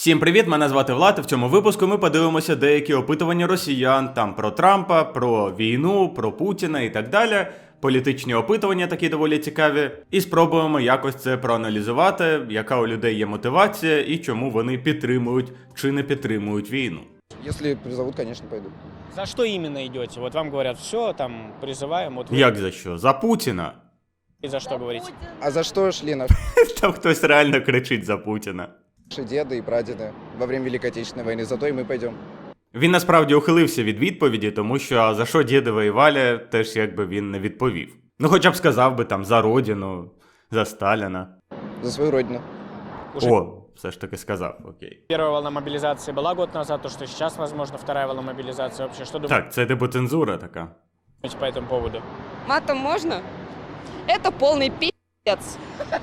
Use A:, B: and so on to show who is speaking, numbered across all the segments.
A: Всім привіт, мене звати Влад, і в цьому випуску ми подивимося деякі опитування росіян, там про Трампа, про війну, про Путіна і так далі. Політичні опитування такі доволі цікаві. І спробуємо якось це проаналізувати, яка у людей є мотивація і чому вони підтримують чи не підтримують війну.
B: Если призовут, конечно, пойду.
C: За что именно идете? Вот вам говорят, все, там, призываем, вот вы
A: Як за що? За Путіна?
C: и за что говорите?
B: А за что шли наши
A: Там хтось реально кричить за Путіна.
B: деды и прадеды во время Великой Отечественной войны? Зато и мы пойдем.
A: Він насправді ухилився від відповіді, тому що а за що діди воювали, теж якби він не відповів. Ну хоча б сказав би там за родину, за Сталіна.
B: За свою родину.
C: Уже
A: О, все ж таки сказав, окей.
C: первая волна мобилизации была год назад, то, что сейчас, возможно, вторая волна мобилизации. Вообще, что думаете
A: Так, це типу цензура така.
C: по этому поводу?
D: Матом можно? Это полный пи***ц.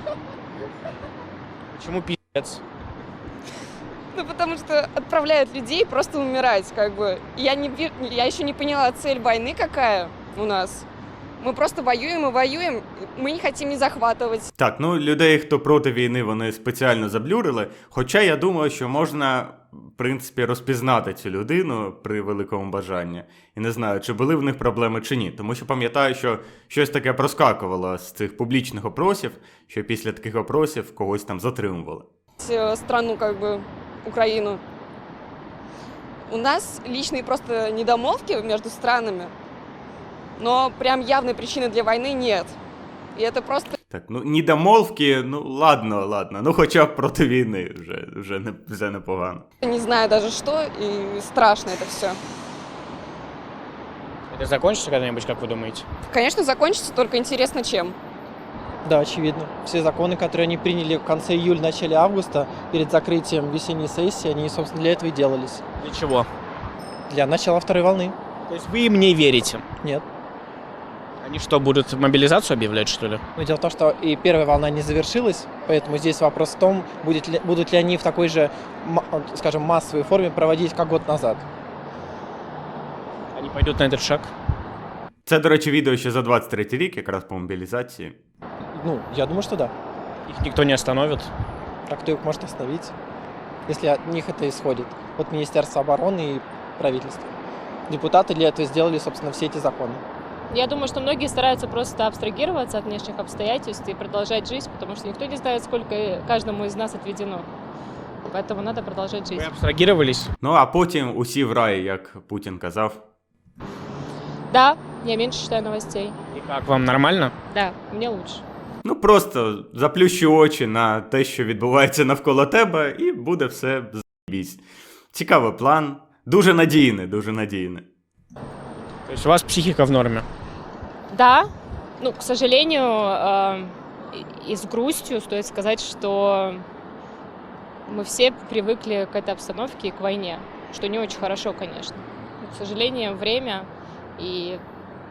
C: Почему пи***ц?
D: Ну, потому что отправляют людей просто умирать, как бы. Я еще не поняла цель войны какая у нас. Мы просто воюем и воюем, мы не хотим не захватывать.
A: Так, ну людей, хто проти війни, вони спеціально заблюрили. Хоча я думаю, що можна, в принципі, розпізнати цю людину при великому бажанні. І не знаю, чи були в них проблеми чи ні. Тому що пам'ятаю, що щось таке проскакувало з цих публічних опросів, що після таких опросів когось там затримували.
D: Страну, как бы, Украину. У нас личные просто недомолвки между странами, но прям явной причины для войны нет. И это просто
A: Так, ну недомолвки, ну ладно. Ну хоча б проти війни вже непогано.
D: не знаю даже что, и страшно это все.
C: Это закончится когда-нибудь, как вы думаете?
D: Конечно, закончится, только интересно чем.
E: Да, очевидно. Все законы, которые они приняли в конце июля, начале августа, перед закрытием весенней сессии, они, собственно, для этого и делались.
C: Для чего?
E: Для начала второй волны.
C: То есть вы им не верите?
E: Нет.
C: Они что, будут мобилизацию объявлять, что ли?
E: Но дело в том, что и первая волна не завершилась, поэтому здесь вопрос в том, будут ли они в такой же, скажем, массовой форме проводить, как год назад.
C: Они пойдут на этот шаг?
A: Це, до речі, відео ще за 23-й рік, якраз по мобілізації.
E: Ну, я думаю, что да.
C: Их никто не остановит?
E: А кто их может остановить, если от них это исходит? От Министерства обороны и правительства. Депутаты для этого сделали, собственно, все эти законы.
F: Я думаю, что многие стараются просто абстрагироваться от внешних обстоятельств и продолжать жизнь, потому что никто не знает, сколько каждому из нас отведено. Поэтому надо продолжать
C: Вы
F: жизнь.
C: абстрагировались?
A: Ну а потім усі в рай, як Путін казав.
F: Да, я меньше читаю новостей.
C: И как, вам нормально?
F: Да, мне лучше.
A: Ну просто заплющи очі на те, що відбувається навколо тебе, і буде все з***бісь. Цікавий план. Дуже надійний, дуже надійний.
C: То есть у вас психика в норме?
F: Да, ну, к сожалению, и с грустью стоит сказать, что мы все привыкли к этой обстановке и к войне, что не очень хорошо, конечно. Но, к сожалению, время и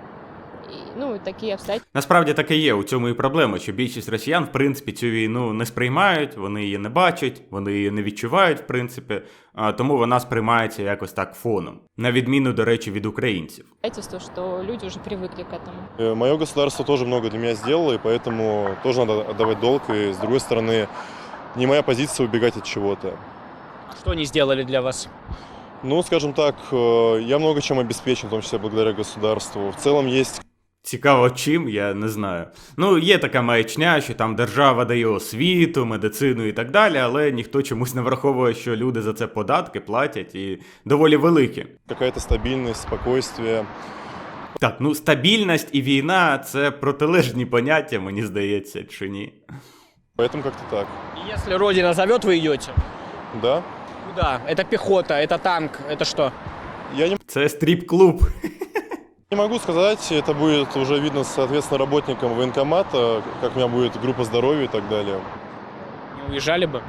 F: такие обстоятельства.
A: Насправді так і є, у цьому і проблема, що більшість росіян, в принципі, цю війну не сприймають, вони її не бачать, вони її не відчувають, в принципі, тому вона сприймається якось так фоном. На відміну, до речі, від українців.
F: Что люди уже привыкли к этому.
G: Мое государство тоже много для меня сделало, и поэтому тоже надо отдавать долг. И, с другой стороны, не моя позиция убегать от чего-то.
C: Что они сделали для вас?
G: Ну, скажем так, я много чем обеспечен, в том числе благодаря государству. В целом есть...
A: Цікаво чим, я не знаю. Ну, є така маячня, що там держава дає освіту, медицину і так далі, але ніхто чомусь не враховує, що люди за це податки платять і доволі великі.
G: Какая-то стабильность, спокойствие.
A: Так, ну стабільність і війна – це протилежні поняття, мені здається, чи ні?
G: Поэтому как-то так.
C: И если Родина зовет, вы идете?
G: Да?
C: Куда? Это пехота, это танк, это что?
G: Я
A: Це стріп-клуб.
G: не могу сказать, это будет уже видно, соответственно, работникам военкомата, как у меня будет группа здоровья и так далее.
C: Не уезжали бы?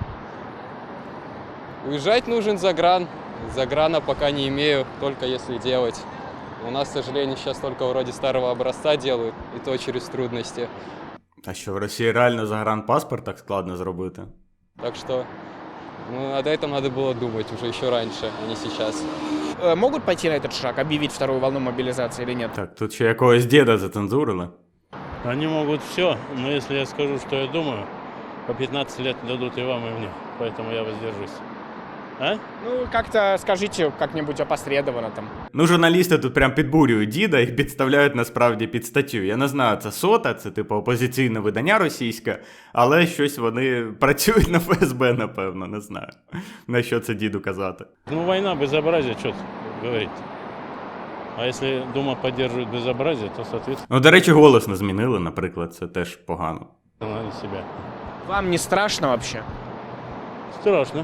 H: Уезжать нужен за гран. Заграна пока не имею, только если делать. У нас, к сожалению, сейчас только вроде старого образца делают, и то через трудности.
A: А що, в Росії реально загранпаспорт так складно зробити?
H: Так что, над этим надо было думать уже еще раньше, а не сейчас.
C: Могут пойти на этот шаг, объявить вторую волну мобилизации или нет?
A: Так, тут ще якогось діда зацензурили.
I: Они могут все, но если я скажу, что я думаю, по 15 лет дадут и вам, и мне. Поэтому я воздержусь. А?
C: Ну, как-то скажите как-нибудь опосредованно там.
A: Ну, журналісти тут прям підбурюють діда і підставляють насправді під статтю. Я не знаю, це СОТА, це типу опозиційне видання російське, але щось вони працюють на ФСБ, напевно, не знаю. На що це діду казати.
I: Ну, война, безобразие, что говорить. А если Дума поддерживает безобразие, то, соответственно,
A: Ну, до речі, голос не змінили, наприклад, це теж погано.
I: надо себя.
C: Вам не страшно вообще?
I: Страшно.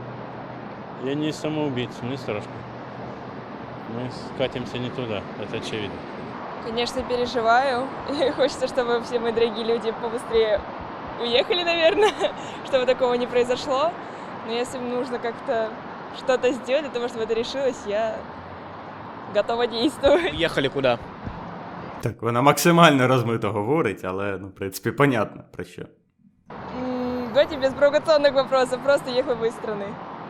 I: Я не самоубийца, мне страшно. Мы скатимся не туда, это очевидно.
D: Конечно, переживаю. И хочется, чтобы все мои дорогие люди побыстрее уехали, наверное, чтобы такого не произошло. Но если нужно как-то что-то сделать для того, чтобы это решилось, я готова действовать.
C: Ехали куда?
A: Так, вона максимально розмито говорить, але, ну, в принципі, понятно про що.
D: Давайте без провокационных вопросов, просто ехала бы из страны.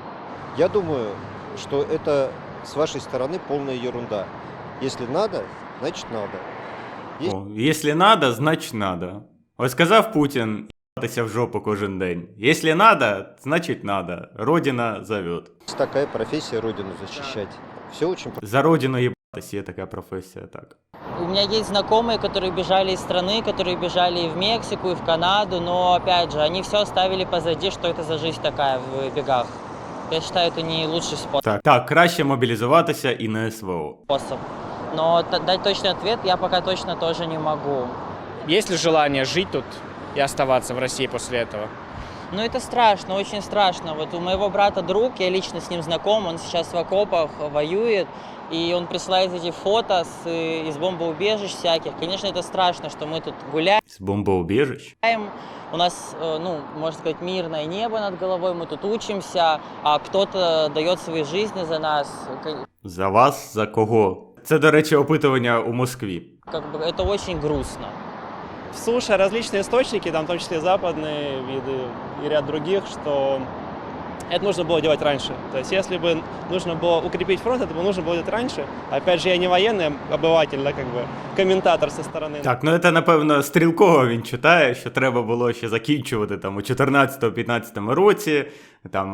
J: Я думаю, что это с вашей стороны полная ерунда. Если надо, значит надо.
A: О, якщо надо, значить надо. Ось сказав Путін їбатися в жопу кожен день. Якщо надо, значить надо. Родина зовет.
J: Есть такая профессия родину защищать. Все очень
A: За родину їбатись є така професія, так.
K: У меня есть знакомые, которые бежали из страны, которые бежали и в Мексику, и в Канаду, но, опять же, они все оставили позади, что это за жизнь такая в бегах. Я считаю, это не лучший
A: Так, краще мобілізуватися і на СВО.
K: способ. Но дать точный ответ я пока точно тоже не могу.
C: Есть ли желание жить тут и оставаться в России после этого?
K: Но это страшно, очень страшно. Вот у моего брата друг, я лично с ним знаком, он сейчас в окопах воюет, и он присылает эти фото из бомбоубежищ всяких. Конечно, это страшно, что мы тут гуляем.
A: З бомбоубіжищ?
K: У нас, ну, можно сказать, мирное небо над головой, мы тут учимся, а кто-то дает свои жизни за нас.
A: За вас? За кого? Це, до речі, опитування у Москві.
K: Как бы это очень грустно.
L: Слушая различные источники, там в том числе западные виды и ряд других, что это нужно было делать раньше. То есть если бы нужно было укрепить фронт, это бы нужно было делать раньше. Опять же, я не военный обыватель, да, как бы комментатор со стороны.
A: Так, ну це, напевно, Стрілкова він читає, що треба було ще закінчувати там у 14-15 році, там,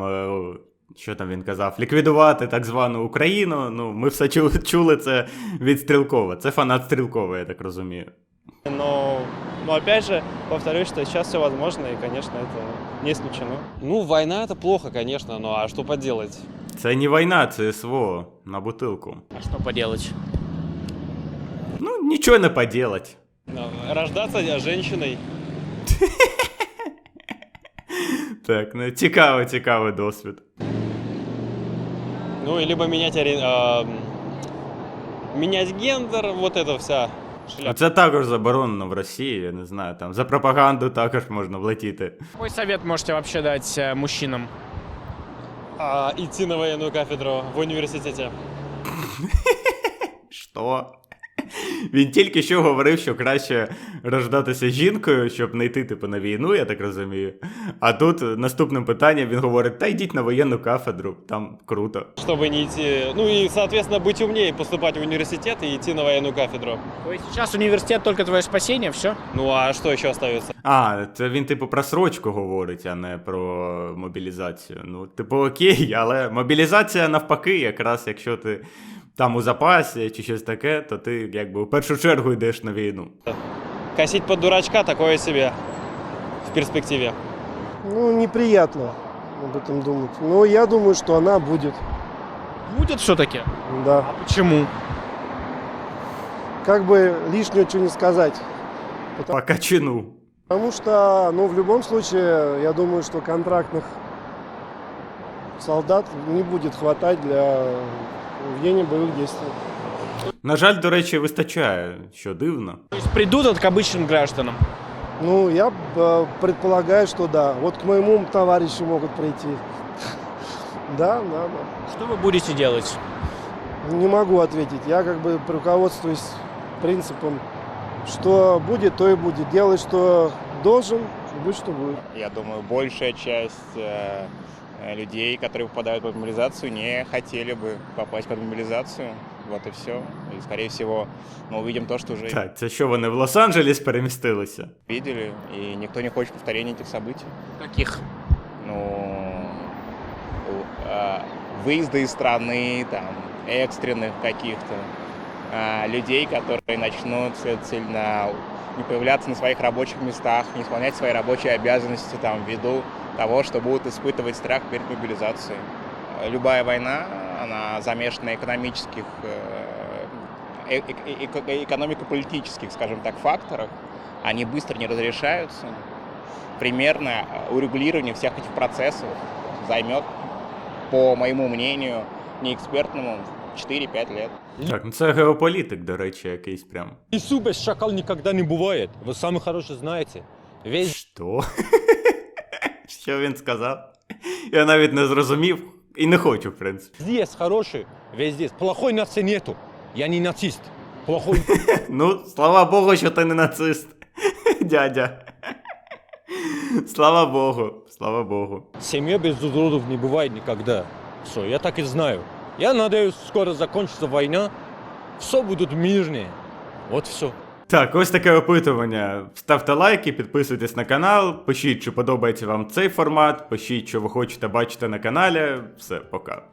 A: що там він казав, ліквідувати так звану Україну. Ну, ми все чули це від Стрілкова. Це фанат Стрілкова, я так розумію.
L: Но опять же, повторюсь, что сейчас все возможно, и, конечно, это не исключено.
H: Ну, война это плохо, конечно, ну а что поделать?
A: Це не війна, це СВО на бутилку.
C: А что поделать?
A: Ну, нічого не поделать.
H: Рождаться женщиной.
A: Так, ну цікавий досвід.
H: Ну, и либо менять гендер, вот это вся шляпа.
A: Це також заборонено в Росії, я не знаю, там за пропаганду також можна влетіти.
C: Какой совет можете вообще дать мужчинам?
H: Идти на военную кафедру в университете.
A: Що? Він тільки що говорив, що краще рождатися жінкою, щоб не йти типу на війну, я так розумію. А тут наступним питанням він говорить: та йдіть на воєнну кафедру, там круто.
H: Чтобы не идти, ну и, соответственно, быть умнее, поступать в университет и идти на военную кафедру.
C: То есть сейчас университет только твое спасение, все?
H: Ну а что еще остается?
A: А, це він типу про срочку говорить, а не про мобілізацію. Ну, типу, окей, але мобілізація навпаки, якраз якщо ти там у запасі чи щось таке, то ти якби у першу чергу йдеш на війну.
H: Косить под дурачка такое себе в перспективе.
M: Ну, неприятно об этом думать. Но я думаю, что она будет.
C: Будет все-таки?
M: Да.
C: А почему?
M: Как бы лишнего что не сказать.
A: По качану.
M: Потому что, ну, в любом случае, я думаю, что контрактных солдат не будет хватать для ведения боевых действий.
A: На жаль, до речі, вистачає, що дивно.
C: То есть придут к обычным гражданам?
M: Ну, я предполагаю, что да. Вот к моему товарищу могут прийти. Да.
C: Что вы будете делать?
M: Не могу ответить. Я как бы руководствуюсь принципом, что будет, то и будет. Делай, что должен, будь, что будет.
N: Я думаю, большая часть людей, которые попадают под мобилизацию, не хотели бы попасть под мобилизацию. Вот и все. И, скорее всего, мы увидим то, что уже
A: Так, це що, вони в Лос-Анджелес перемістилися?
N: видели, и никто не хочет повторения этих событий.
C: Каких?
N: Ну, выезда из страны, там, экстренных каких-то людей, которые начнут, следовательно, не появляться на своих рабочих местах, не исполнять свои рабочие обязанности там, ввиду того, что будут испытывать страх перед мобилизацией. Любая война, она замешана на экономических, экономико-политических, скажем так, факторах. Они быстро не разрешаются. Примерно урегулирование всех этих процессов займет, по моему мнению, неэкспертному, 4-5 лет.
A: Так, ну це геополітик, до речі, якийсь прям.
O: Лесу без шакал никогда не бывает. Вы самый хороший знаете. Весь...
A: Що? Що він сказав? Я навіть не зрозумів і не хочу, в принципі.
O: Здесь хороший, везде. Плохой нации нету. Я не нацист. Плохой...
A: Ну, слава Богу, що ти не нацист, дядя. Слава Богу, слава Богу.
O: Семья без уродов не бывает никогда. Все, я так и знаю. Я надеюсь, скоро закончится война. Все будут мирные. Вот все.
A: Так, ось таке опитування. Ставте лайки, підписуйтесь на канал, пишіть, чи подобається вам цей формат, пишіть, що ви хочете бачити на каналі. Все, пока.